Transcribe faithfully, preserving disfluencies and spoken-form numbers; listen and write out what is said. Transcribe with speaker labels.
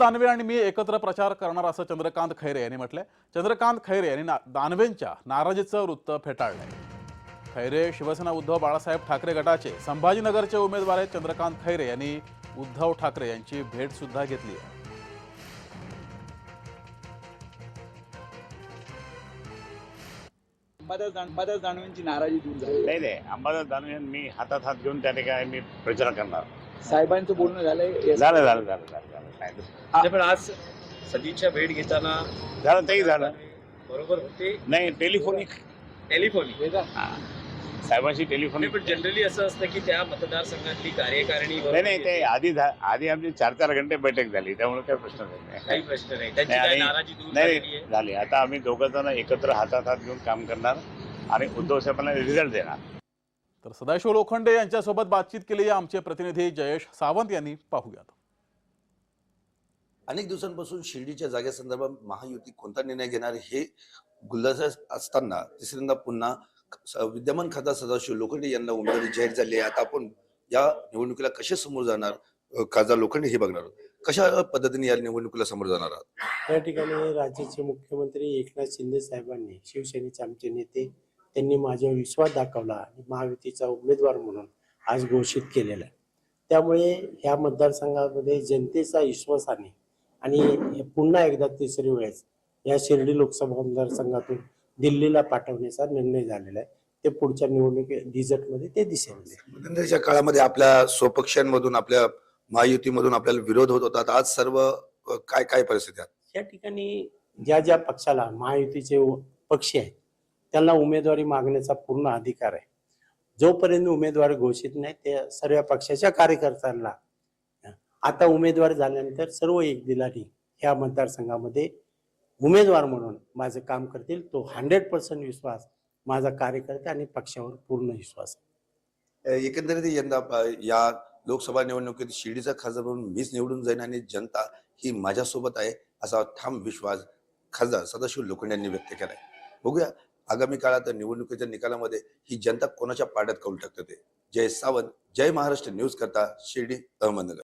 Speaker 1: दानवे आणि मी एकत्र प्रचार करणार असं चंद्रकांत खैरे यांनी म्हटलंय। चंद्रकांत खैरे यांनी ना, दानवेंच्या नाराजीचं वृत्त फेटाळलंय। खैरे शिवसेना उद्धव बाळासाहेब ठाकरे गटाचे संभाजीनगरचे उमेदवार आहेत। चंद्रकांत खैरे यांनी उद्धव ठाकरे यांची भेट सुद्धा घेतली आहे।
Speaker 2: अंबादास अंबादास दानवेंची नाराजी दूर झाली
Speaker 3: नाही नाही अंबादास दानवे मी हातात हात घेऊन त्या ठिकाणी मी प्रचार करणार।
Speaker 2: साहेबांचं बोलणं झालंय
Speaker 3: झालं झालं झालं झालं झालं नाही
Speaker 4: नाही, पण आज सदिच्छा भेट घेताना
Speaker 3: झालं तेही झालं
Speaker 4: बरोबर होते
Speaker 3: नाही टेलिफोनिक
Speaker 4: टेलिफोनिक
Speaker 3: साहेबांशी टेलिफोनिक
Speaker 4: पण जनरली असं असतं की त्या मतदारसंघातली कार्यकारिणी
Speaker 3: नाही नाही ते आधी झा- आधी आमची चार चार घंटे बैठक झाली, त्यामुळे काही प्रश्न नाही।
Speaker 4: काही प्रश्न नाही, त्यांची
Speaker 3: नाही,
Speaker 4: काय
Speaker 3: आणि-
Speaker 4: नाराजी दूर
Speaker 3: नाही
Speaker 4: झालेली आहे?
Speaker 3: झाली। आता आम्ही दोघं जण एकत्र हातात हात घेऊन काम करणार आणि उद्धव साहेबांना रिझल्ट देणार।
Speaker 1: तर सदाशिव लोखंडे यांच्यासोबत बातचीत केली आहे आमचे प्रतिनिधी जयेश सावंत यांनी। पाहूयात।
Speaker 5: अनेक दिवसांपासून शिर्डीच्या जागेसंदर्भात महायुती कोणता निर्णय घेणार हे गुलदस्त्यात असताना तिसऱ्यांदा पुन्हा विद्यमान खासदार सदाशिव लोखंडे यांना उमेदवारी जाहीर झाली आहे। आता आपण या निवडणुकीला कसे समोर जाणार, खासदार लोखंडे हे बघणार आहोत। कशा पद्धतीने या निवडणुकीला समोर जाणार आहात?
Speaker 6: या ठिकाणी राज्याचे मुख्यमंत्री एकनाथ शिंदे साहेबांनी, शिवसेनेचे आमचे नेते, त्यांनी माझ्यावर विश्वास दाखवला आणि महायुतीचा उमेदवार म्हणून आज घोषित केलेला आहे। त्यामुळे ह्या मतदारसंघामध्ये जनतेचा विश्वासाने आणि पुन्हा एकदा तिसरी वेळेस या शिर्डी लोकसभा मतदारसंघातून दिल्लीला पाठवण्याचा निर्णय झालेला आहे। ते पुढच्या निवडणुकी रिझल्टमध्ये ते दिसेल।
Speaker 5: मध्यंतरीच्या काळामध्ये आपल्या स्वपक्षांमधून, आपल्या महायुतीमधून आपल्याला विरोध होत होता, आज सर्व काय काय परिस्थिती आहे?
Speaker 6: या ठिकाणी ज्या ज्या पक्षाला महायुतीचे पक्ष आहेत त्यांना उमेदवारी मागण्याचा पूर्ण अधिकार आहे। जोपर्यंत उमेदवार घोषित नाही त्या सर्व पक्षाच्या कार्यकर्त्यांना आता उमेदवार झाल्यानंतर सर्व एक दिलाने ह्या मतदारसंघामध्ये उमेदवार म्हणून माझं काम करतील, तो हंड्रेड पर्सेंट विश्वास माझा कार्यकर्ते आणि पक्षावर पूर्ण विश्वास आहे।
Speaker 5: एकंदरीत यंदा या लोकसभा निवडणुकीत शिर्डीचा खासदार म्हणून मीच निवडून जाईन आणि जनता ही माझ्यासोबत आहे असा ठाम विश्वास खासदार सदाशिव लोखंडे यांनी व्यक्त केलाय। बघूया आगामी काळात निवडणुकीच्या निकालामध्ये ही जनता कोणाच्या पाड्यात कौल टाकते ते। जय सावंत, जय महाराष्ट्र न्यूज करता शिर्डी, अहमदनगर।